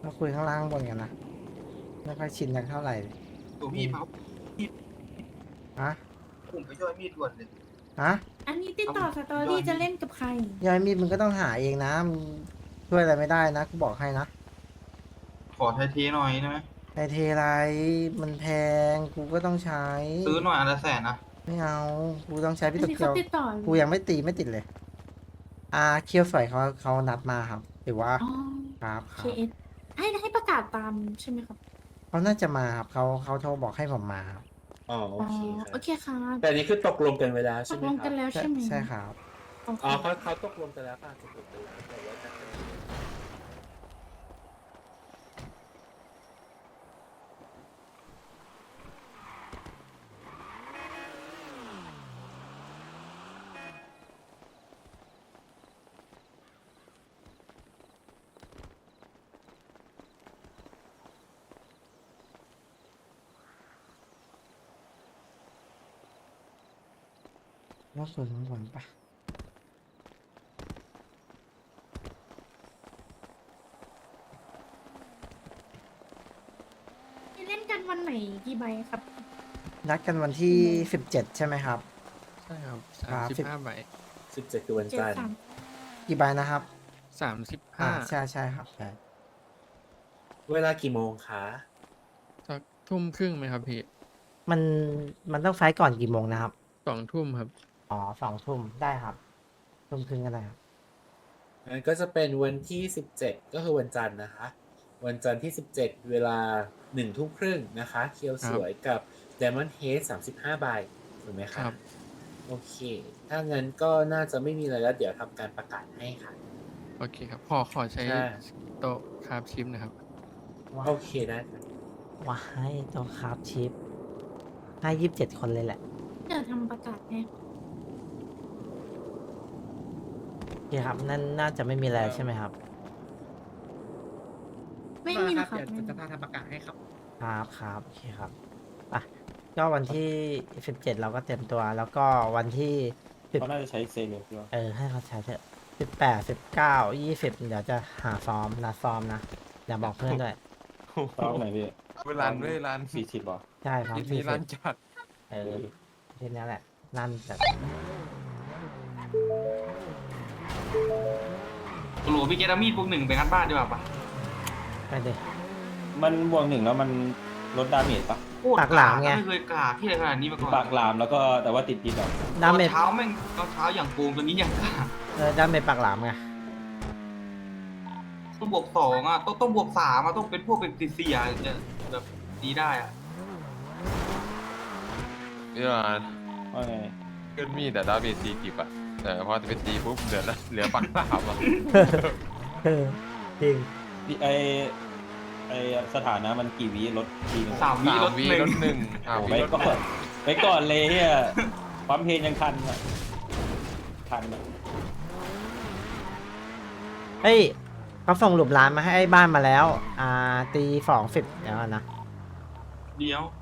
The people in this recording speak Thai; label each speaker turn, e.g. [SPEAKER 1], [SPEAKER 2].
[SPEAKER 1] มาคุยข้างล่างบนกันนะไม่ค่อยชินกันเท่าไหร่
[SPEAKER 2] ตัวพี่เผา
[SPEAKER 1] ฮะ
[SPEAKER 2] ผมไปช่วยมีดด่วนเลย
[SPEAKER 1] ฮะ
[SPEAKER 3] อันนี้ติดต่อสตอรี่จะเล่นกับใคร
[SPEAKER 1] ยายมีดมึงก็ต้องหาเองนะมึงช่วยอะไรไม่ได้นะกูบอกให้นะ
[SPEAKER 2] ขอไทยเทหน่อยได้ไหม
[SPEAKER 1] ไอเทไรมันแพงกูก็ต้องใช้
[SPEAKER 2] ซื้อหน่อยอันละแสนนะ
[SPEAKER 1] ไม่เอากูต้องใช้
[SPEAKER 3] อัน
[SPEAKER 1] พี่ตะ
[SPEAKER 3] นี้
[SPEAKER 1] เกีย
[SPEAKER 3] เขา
[SPEAKER 1] ว
[SPEAKER 3] ติดต่อ
[SPEAKER 1] กูยังไม่ตีไม่ติดเลย เคียวสวยเขานัดมาครับหรือว่า
[SPEAKER 3] อ๋อ
[SPEAKER 1] ครับค
[SPEAKER 3] เครับ เอสให้ประกาศตามใช่ไหมครับ
[SPEAKER 1] เขาน่าจะมาครับเขาโทรบอกให้ผมมาครับ
[SPEAKER 4] อ๋อโอ
[SPEAKER 3] อ๋อ
[SPEAKER 4] เคครับ
[SPEAKER 3] โอเคครับ
[SPEAKER 4] แต่อันนี้คือตกลงกันไว้แล้ว
[SPEAKER 3] ต
[SPEAKER 4] ใช่
[SPEAKER 3] ก
[SPEAKER 4] ไหม
[SPEAKER 3] ลง
[SPEAKER 4] ค
[SPEAKER 3] กั
[SPEAKER 4] รั
[SPEAKER 3] น
[SPEAKER 4] บ
[SPEAKER 3] แล้วใช่ไหม
[SPEAKER 1] ใช่ครับ
[SPEAKER 3] โอเค
[SPEAKER 4] อ๋อเขาตกลงกันแล้วป่ะตกลงกันแล้วแต่ว่าจะเป็น
[SPEAKER 1] แล้วส่วนของผมปะ
[SPEAKER 3] เล่นกันวันไหนกี่ใบครับ
[SPEAKER 1] นัดกันวันที่17ใช่ไหมครับ
[SPEAKER 5] ใช่ครับ
[SPEAKER 1] ครับ
[SPEAKER 5] 35 ใบ
[SPEAKER 4] 17คือวัน
[SPEAKER 3] เจ็ด
[SPEAKER 4] จันทร์
[SPEAKER 3] สาม
[SPEAKER 1] กี่ใบนะครับ
[SPEAKER 5] 35
[SPEAKER 1] ใช่ครับใช่
[SPEAKER 4] เวลากี่โมงคะ
[SPEAKER 5] สักทุ่มครึ่งไหมครับพี่
[SPEAKER 1] มันมันต้องไฟล์ก่อนกี่โมงนะครับ
[SPEAKER 5] 2 ทุ่มครับ
[SPEAKER 1] อ๋อ2 ทุ่มได้ครับทุ่มครึ่งก็ได้ครับ
[SPEAKER 4] งั้นก็จะเป็นวันที่ 17 ก็คือวันจันทร์นะคะ วันจันทร์ที่ 17 เวลา1 ทุ่มครึ่งนะคะ เคียวสวยกับ Diamond Head 35 ใบถูกไหมคะ
[SPEAKER 5] ครับ
[SPEAKER 4] โอเค ถ้างั้นก็น่าจะไม่มีอะไรแล้ว เดี๋ยวทำการประกาศให้ค่ะ
[SPEAKER 5] โอเคครับ ขอใช้
[SPEAKER 4] ใช่
[SPEAKER 5] โต๊ะคราฟชิมนะครับ
[SPEAKER 4] โอเคได้ค่ะ
[SPEAKER 1] ว้ายตัวครับชิปให้27 คนเลยแหละ
[SPEAKER 3] เดี๋ยวทำประกาศให้
[SPEAKER 1] โอเคครับนั่นน่าจะไม่มีอะไรใช่ไหมครับ
[SPEAKER 3] ไม่มีนะครับ
[SPEAKER 6] เดี๋ยว
[SPEAKER 3] ไม่มี
[SPEAKER 6] จะทำประกาศให้ครับ
[SPEAKER 1] ครับโอเคครับอ่ะก็วันที่17เราก็เต็มตัว แล้วก็วันที่
[SPEAKER 7] เขาน่าจะใช้เซเลบด้วย
[SPEAKER 1] ให้เขาใช้เถอะ18 19 20เดี๋ยวจะหาซ้อมนัดซ้อมนะอย่าบอกเพื่อนด้วย
[SPEAKER 7] ตอนไหนพี่
[SPEAKER 8] เวลาด้วยร้าน
[SPEAKER 7] 40หรอ
[SPEAKER 1] ใช่ซ้อม
[SPEAKER 8] ทีร้านจัด
[SPEAKER 1] ทีนี้แหละนั่นแต่
[SPEAKER 2] โหลพี่เกตามีดพวกหนึ่งไปงัดบ้านดีกว่าปะ
[SPEAKER 1] ไปเลย
[SPEAKER 7] มันบวก 1แล้วมันลดดาเมจปะ
[SPEAKER 2] โคตร
[SPEAKER 1] ปากหลามไง
[SPEAKER 2] ไม่เคยกล้าที่อะไรขนาดนี้มาก่อน
[SPEAKER 7] ปากลามแล้วก็แต่ว่าติดพิษอ่ะ
[SPEAKER 1] ดาเมจ
[SPEAKER 2] ตอนเช้าแม่งตอนเช้าอย่างโกงตัวนี้อย่างกล้า
[SPEAKER 1] ดาเมจปากหลามไง
[SPEAKER 2] ต้องบวก2อ่ะต้องบวก3อ่ะต้องเป็นพวกเป็น4อ่ะจะแบบดีได้อ่ะ
[SPEAKER 8] พี่ร้าน
[SPEAKER 7] ว่าไง
[SPEAKER 8] เกินมีดแต่ดาเมจ40อ่ะ แต่พอจะไปตีปุ๊บเหลือปักสามอ่ะ
[SPEAKER 1] จริง
[SPEAKER 7] ไอสถานะมันกี่วิลดทีนึง
[SPEAKER 2] 3 วิลด
[SPEAKER 8] 3 วิ
[SPEAKER 2] หนึ่
[SPEAKER 8] ล
[SPEAKER 2] ง
[SPEAKER 8] ดหนึ่ง
[SPEAKER 7] โอ้
[SPEAKER 8] 3
[SPEAKER 7] ไป
[SPEAKER 8] วิลด
[SPEAKER 7] ก่อนไปก่อนเลยเฮียปั๊มเพลงยังทันอ่ะทันอ่ะ
[SPEAKER 1] เฮ้ยเขาส่งหลุมร้านมาให้ไอ้บ้านมาแล้ว ตี20เดี๋ยวก่อนนะ
[SPEAKER 2] เดี๋ยว